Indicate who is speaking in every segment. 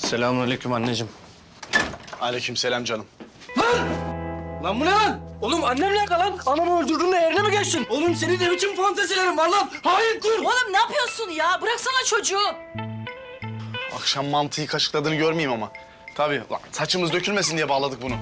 Speaker 1: Selamünaleyküm anneciğim.
Speaker 2: Aleykümselam canım.
Speaker 1: Lan bu ne lan? Oğlum annem nerede lan? Anamı öldürdün de yerine mi geçtin? Oğlum senin ne biçim fantezilerin var lan? Hayır dur!
Speaker 3: Oğlum ne yapıyorsun ya? Bıraksana çocuğu.
Speaker 2: Akşam mantıyı kaşıkladığını görmeyeyim ama. Tabii lan, saçımız dökülmesin diye bağladık bunu.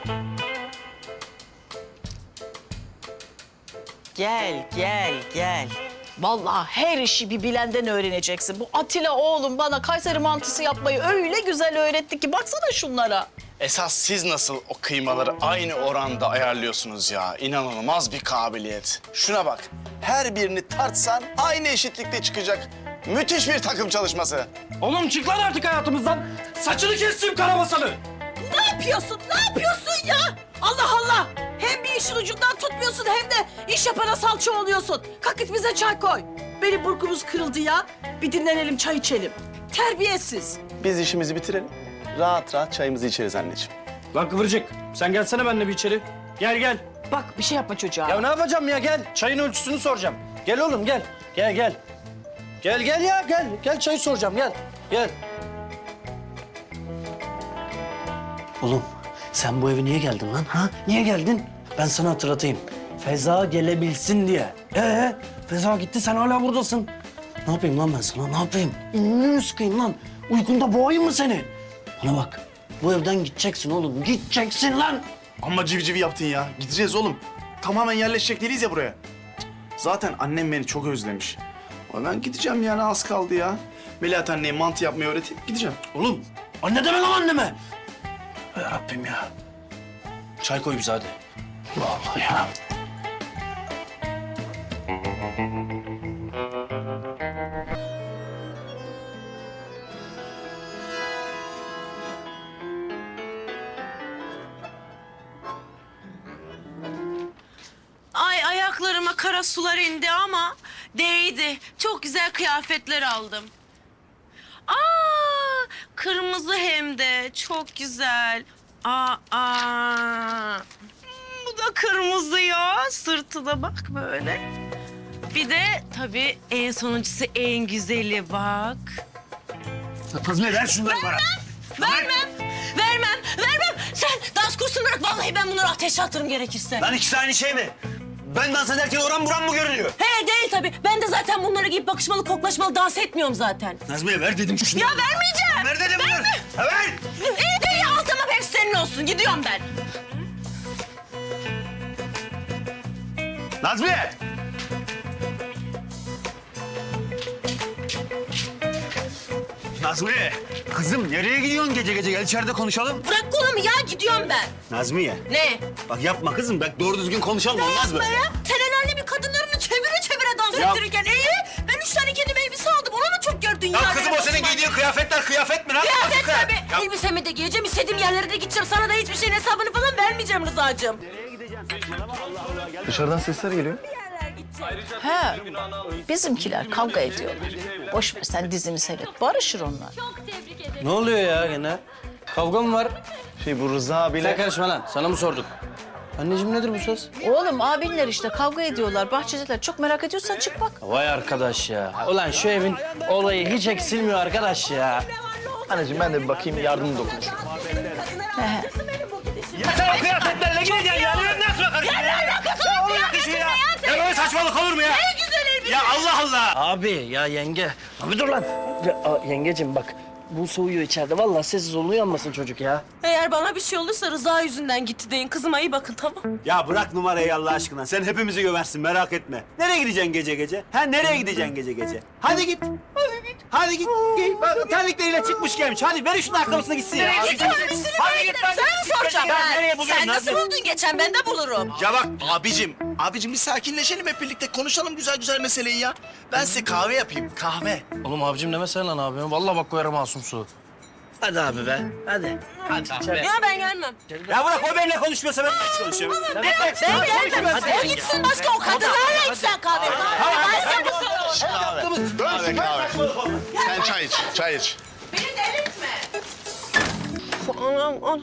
Speaker 3: Gel. Vallahi her işi bir bilenden öğreneceksin. Bu Atilla oğlum bana Kayseri mantısı yapmayı öyle güzel öğretti ki baksana şunlara.
Speaker 2: Esas siz nasıl o kıymaları aynı oranda ayarlıyorsunuz ya? İnanılmaz bir kabiliyet. Şuna bak. Her birini tartsan aynı eşitlikte çıkacak. Müthiş bir takım çalışması.
Speaker 1: Oğlum çık lan artık hayatımızdan. Saçını kestim karabasanı.
Speaker 3: Ne yapıyorsun? Ne yapıyorsun ya? Allah Allah! Hem bir işin ucundan tutmuyorsun hem de iş yapana salça oluyorsun. Kalk git bize çay koy. Benim burkumuz kırıldı ya. Bir dinlenelim, çay içelim. Terbiyesiz.
Speaker 2: Biz işimizi bitirelim. Rahat rahat çayımızı içeriz anneciğim.
Speaker 1: Lan Kıvırcık sen gelsene benimle bir içeri. Gel.
Speaker 3: Bak bir şey yapma çocuğa.
Speaker 1: Ya ne yapacağım ya gel. Çayın ölçüsünü soracağım. Gel oğlum gel. Gel. Gel ya gel. Gel çayı soracağım gel. Oğlum sen bu eve niye geldin lan ha? Niye geldin? Ben sana hatırlatayım. Feza gelebilsin diye. Feza gitti sen hala buradasın. Ne yapayım lan ben sana ne yapayım? İnini mi sıkayım lan? Uykunda boğayım mı seni? Bana bak bu evden gideceksin oğlum gideceksin lan.
Speaker 2: Amma civcivi yaptın ya. Gideceğiz oğlum. Tamamen yerleşecek değiliz ya buraya. Zaten annem beni çok özlemiş. Ama ben gideceğim yani az kaldı ya. Melahat anneye mantı yapmayı öğretip gideceğim.
Speaker 1: Oğlum anne deme lan anneme. Ya Rabbim ya. Çay koy bize hadi. Vallahi ya.
Speaker 4: Ay ayaklarıma kara sular indi ama değdi. Çok güzel kıyafetler aldım. Kırmızı hem de çok güzel. Bu da kırmızı ya. Sırtı da bak böyle. Bir de tabii en sonuncusu en güzeli bak.
Speaker 1: Nazmiye ver şunları bana.
Speaker 4: Vermem. Sen dans kursunu bırak. Vallahi ben bunları ateşe atarım gerekirse.
Speaker 5: Lan ikisi aynı şey mi? Ben dans ederken oran buram mı görünüyor?
Speaker 4: He değil tabii. Ben de zaten bunları giyip bakışmalı, koklaşmalı dans etmiyorum zaten.
Speaker 5: Nazmiye ver dedim şunu.
Speaker 4: Ya vermeyeceğim.
Speaker 5: Ver dedim bunu. Ha, ver.
Speaker 4: İyi al tamam hepsi senin olsun. Gidiyorum ben.
Speaker 5: Nazmiye! Nazmiye! Kızım nereye gidiyorsun gece gece? Gel içeride konuşalım.
Speaker 4: Bırak kolumu ya gidiyorum ben.
Speaker 5: Nazmiye!
Speaker 4: Ne?
Speaker 5: Bak yapma kızım. Bak doğru düzgün konuşalım olmaz mı?
Speaker 4: Yapma ya. Sen el alemin kadınlarını çevire dans
Speaker 5: Ya-
Speaker 4: ettirirken ben 3 tane kendime elbise aldım. Onu mu çok gördün ya?
Speaker 5: Ya kızım o senin giydiğin kıyafetler kıyafet mi lan?
Speaker 4: Kıyafet
Speaker 5: Azıcık
Speaker 4: tabii.
Speaker 5: ya.
Speaker 4: Elbisemi de giyeceğim. İstediğim yerlere de gideceğim. Sana da hiçbir şeyin hesabını falan vermeyeceğim Rıza'cığım.
Speaker 2: Dışarıdan sesler geliyor.
Speaker 3: He, bizimkiler kavga ediyorlar. Boş ver sen dizini seyret. Barışır onlar.
Speaker 1: Ne oluyor ya gene? Kavga mı var?
Speaker 2: Bu Rıza abiyle...
Speaker 1: Sen karışma lan. Sana mı sorduk? Anneciğim nedir bu ses?
Speaker 3: Oğlum abinler işte kavga ediyorlar. Bahçedeler. Çok merak ediyorsan çık bak.
Speaker 1: Vay arkadaş ya. Ulan şu evin olayı hiç eksilmiyor arkadaş ya.
Speaker 2: Anneciğim ben de bir bakayım yardım dokunuşum.
Speaker 5: Ya sen o kıyafetlerle gideceksin ya. Nasıl bakarım ya? Ya olacak işi ya. Ya böyle saçmalık olur mu ya?
Speaker 4: Ne güzel elbise.
Speaker 5: Ya Allah Allah.
Speaker 1: Abi ya yenge. Abi dur lan. Yengeciğim bak. Bu soğuyor içeride. Vallahi sessiz olun uyanmasın çocuk ya.
Speaker 4: Eğer bana bir şey olursa Rıza yüzünden gitti deyin. Kızıma iyi bakın tamam.
Speaker 5: Ya bırak numarayı Allah aşkına. Sen hepimizi gömersin merak etme. Nereye gideceksin gece gece? Ha nereye gideceksin gece gece? Hadi git. Hadi git. Bak, terlikleriyle çıkmış gelmiş. Hadi ver şunun ayakkabısına gitsin ya.
Speaker 4: Gidiyorum üstünü
Speaker 5: Hadi
Speaker 4: böyle
Speaker 5: git
Speaker 4: giderim.
Speaker 5: lan.
Speaker 4: Sana mı soracağım
Speaker 5: Ya
Speaker 4: ben?
Speaker 5: nereye buluyorsun
Speaker 4: Sen nasıl
Speaker 5: Nazlı?
Speaker 4: buldun geçen? Ben de bulurum.
Speaker 5: Ya bak
Speaker 2: Abicim bir sakinleşelim hep birlikte. Konuşalım güzel meseleyi ya. Ben size kahve yapayım, kahve.
Speaker 1: Oğlum abicim demesene lan abi. Vallahi bak koyarım masum su. Hadi abi be. Hadi.
Speaker 4: Ya ben gelmem.
Speaker 5: ya bırak o benimle konuşmuyorsa ben hiç konuşuyorum.
Speaker 4: Ben gelmem. O gitsin başka o kadınlarla içsen kahve. Ben sen
Speaker 2: Kahve. Sen çay iç.
Speaker 4: Beni delirtme. Anam.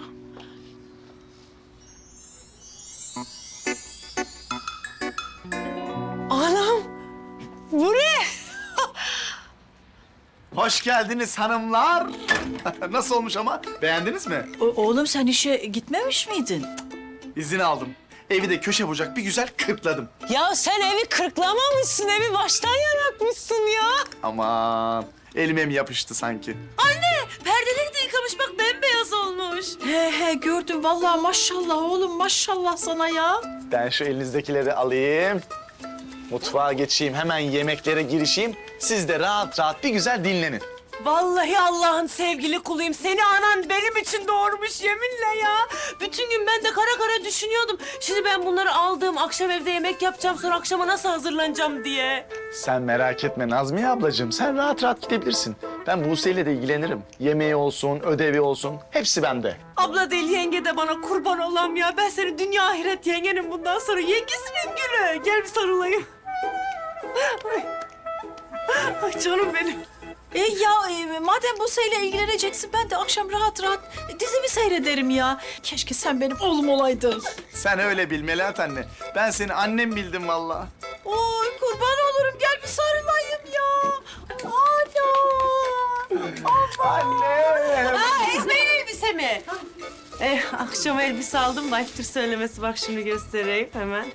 Speaker 4: Anam. Bu ne?
Speaker 2: Hoş geldiniz hanımlar. Nasıl olmuş ama? Beğendiniz mi?
Speaker 3: Oğlum sen işe gitmemiş miydin?
Speaker 2: İzin aldım. Evi de köşe bucak bir güzel kırkladım.
Speaker 4: Ya sen evi kırklamamışsın, evi baştan yaratmışsın ya.
Speaker 2: Aman elime mi yapıştı sanki?
Speaker 4: Perdeleri de yıkamış bak, bembeyaz olmuş.
Speaker 3: He gördüm vallahi maşallah oğlum maşallah sana ya.
Speaker 2: Ben şu elinizdekileri alayım. Mutfağa geçeyim, hemen yemeklere girişeyim. Siz de rahat rahat bir güzel dinlenin.
Speaker 4: Vallahi Allah'ın sevgili kuluyum. Seni anan benim için doğurmuş yeminle ya. Bütün gün ben de kara kara düşünüyordum. Şimdi ben bunları aldım, akşam evde yemek yapacağım, sonra akşama nasıl hazırlanacağım diye.
Speaker 2: Sen merak etme Nazmiye ablacığım. Sen rahat rahat gidebilirsin. Ben Buse'yle de ilgilenirim. Yemeği olsun, ödevi olsun. Hepsi bende.
Speaker 4: Abla değil, yenge de bana kurban olam ya. Ben senin dünya ahiret yengenim bundan sonra. Yengesinin gülü. Gel bir sarılayım. Ay canım benim.
Speaker 3: Madem bu seyle ilgileneceksin ben de akşam rahat rahat dizimi seyrederim ya. Keşke sen benim oğlum olaydın.
Speaker 2: Sen öyle bil Melahat anne. Ben seni annem bildim vallahi.
Speaker 3: Oy kurban olurum gel bir sarılayım ya.
Speaker 2: Anne!
Speaker 4: İsmail elbise mi? Akşam elbise aldım da ayıptır söylemesi. Bak şimdi göstereyim hemen.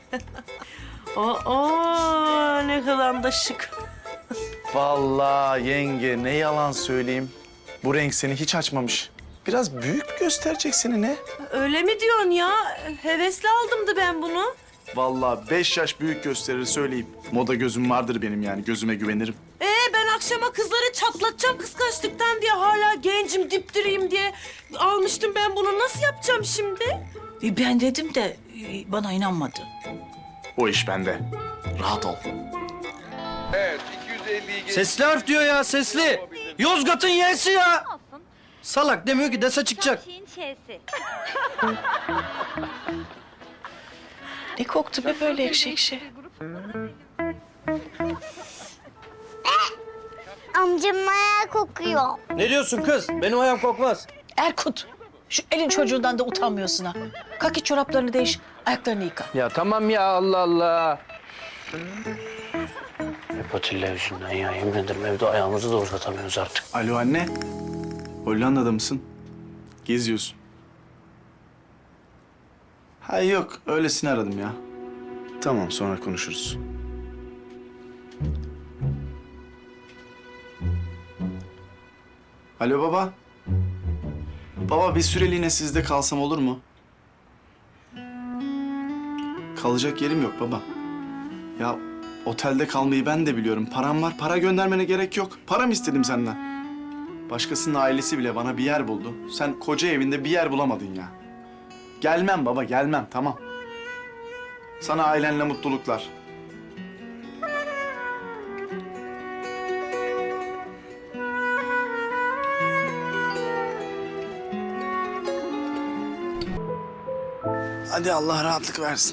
Speaker 4: Oo, ne kadar da şık.
Speaker 2: Vallahi yenge ne yalan söyleyeyim. Bu renk seni hiç açmamış. Biraz büyük mü gösterecek seni ne?
Speaker 4: Öyle mi diyorsun ya? Hevesli aldımdı ben bunu.
Speaker 2: Vallahi 5 yaş büyük gösterir söyleyeyim. Moda gözüm vardır benim yani gözüme güvenirim.
Speaker 4: Ben akşama kızları çatlatacağım kıskançlıktan diye, hala gencim dipdiriyim diye almıştım ben bunu. Nasıl yapacağım şimdi?
Speaker 3: Ben dedim de bana inanmadı.
Speaker 2: O iş bende. Rahat ol.
Speaker 6: Evet, 250'yi
Speaker 1: Sesli harf diyor ya sesli. Yozgat'ın y'si ya. Salak demiyor ki dese çıkacak.
Speaker 7: Şeyin şeysi.
Speaker 3: Ne koktu be böyle ekşi ekşi.
Speaker 7: Amcamın ayağı kokuyor.
Speaker 1: Ne diyorsun kız? Benim ayağım kokmaz.
Speaker 3: Erkut şu elin çocuğundan da utanmıyorsun ha. Kalk git çoraplarını değiş ayaklarını yıka.
Speaker 1: Ya tamam ya Allah Allah. Hep Atilla yüzünden ya. Yemin ederim evde ayağımızı da uzatamıyoruz artık.
Speaker 2: Alo anne. Hollanda'da mısın? Geziyorsun. Ha yok öylesine aradım ya. Tamam sonra konuşuruz. Alo baba. Baba bir süreliğine sizde kalsam olur mu? Kalacak yerim yok baba. Ya otelde kalmayı ben de biliyorum. Param var. Para göndermene gerek yok. Param istedim senden. Başkasının ailesi bile bana bir yer buldu. Sen koca evinde bir yer bulamadın ya. Gelmem baba, gelmem. Tamam. Sana ailenle mutluluklar. Hadi Allah rahatlık versin.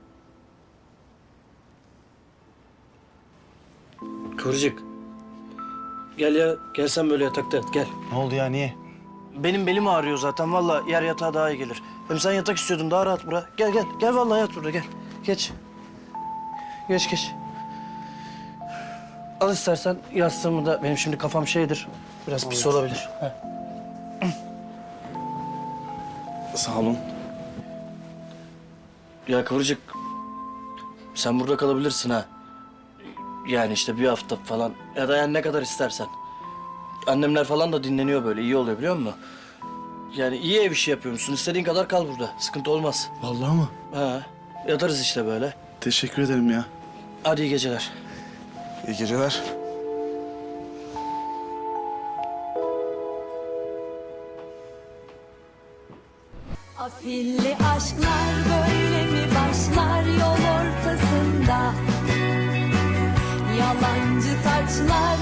Speaker 1: Kıvırcık. Gel ya. Gel sen böyle yatakta yat. Gel.
Speaker 2: Ne oldu ya, niye?
Speaker 1: Benim belim ağrıyor zaten. Vallahi yer yatağı daha iyi gelir. Hem sen yatak istiyordun. Daha rahat bura. Gel gel. Gel vallahi yat burada. Gel. Geç. Geç. Al istersen yastığımı da. Benim şimdi kafam şeydir. Biraz pis olabilir. Heh.
Speaker 2: Sağ olun.
Speaker 1: Ya Kıvırcık. Sen burada kalabilirsin ha. Yani işte bir hafta falan. Ya da yani ne kadar istersen. Annemler falan da dinleniyor böyle. İyi oluyor biliyor musun? Yani iyi ev işi yapıyormuşsun. İstediğin kadar kal burada. Sıkıntı olmaz.
Speaker 2: Vallahi mı?
Speaker 1: Ha. Yatarız işte böyle.
Speaker 2: Teşekkür ederim ya.
Speaker 1: Hadi iyi geceler.
Speaker 2: İyi geceler.
Speaker 8: Afilli aşklar böyle mi başlar yol ortasında? Yalancı taçlar